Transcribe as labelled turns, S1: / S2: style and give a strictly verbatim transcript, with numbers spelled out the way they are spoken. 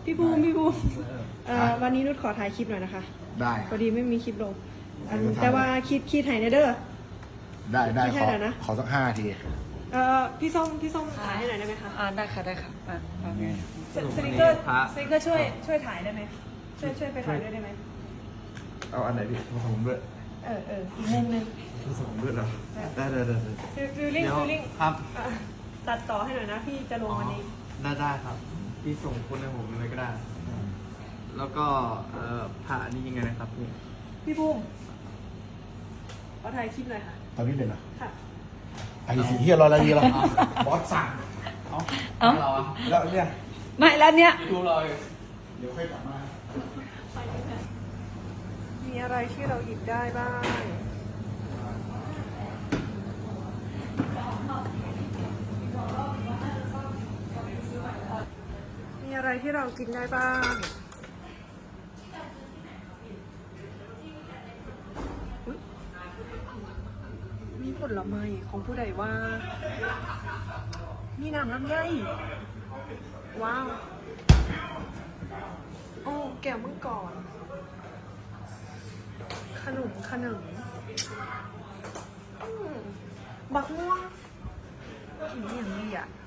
S1: พี่บูมพี่บูมเอ่อวันนี้นุชขอถ่ายคลิปหน่อยนะคะ
S2: ได้
S1: พอดีไม่มีคลิปลงแต่ว่าคิดคิดถ่ายในเด้อ
S2: ได้ได้ขอ
S1: นะ
S2: ขอสักห้าที
S1: เอ่อพี่ส้มพี่ส้มถ่ายให้หน่อยได้ไหมคะ
S3: อ่าได้ค่ะได้ค่ะอ่าไง
S1: สนิเกอร์สนิเกอร์ช่วยช่วยถ่ายได้ไหมช่วยช่วยไปถ่ายด้วยได้ไหม
S4: เอาอันไหนพี่ผสมด้วย
S1: เออเอออีกมุมนึง
S4: ผสมด้วยเหรอได้ได้ได้
S1: ฟิลลิ่งฟิลลิ่ง
S4: ครับ
S1: ตัดต่อให้หน่อยนะพี่จะลงวันนี้
S4: ได้ได้ครับพี่ส่งคนให้ผมเลยก็ได้แล้วก็เอ่อผ่านี่ยังไงนะครับพี่
S1: พี่บูมขอถ่ายคลิปหน่อยค่ะ
S2: ตอนนี้เลยนะ
S1: ค่ะ
S2: ไอ้สีที่รออะไรดีล่ะบอสสั่งเอา
S3: เอา
S2: แล้วเนี่ย
S3: ไม่แล้วเนี้ย
S4: ดูเลย
S2: เดี๋ยวค่อยกลับมา
S1: มีอะไรที่เราหยิบได้บ้างมีอะไรที่เรากินได้บ้างมีผลไม้ของผู้ใดว่ามีน้ำลำไยว้าวโอ้แก้วมังกรขนมขนมบักม่วงกินอย่างนี้อ่ะ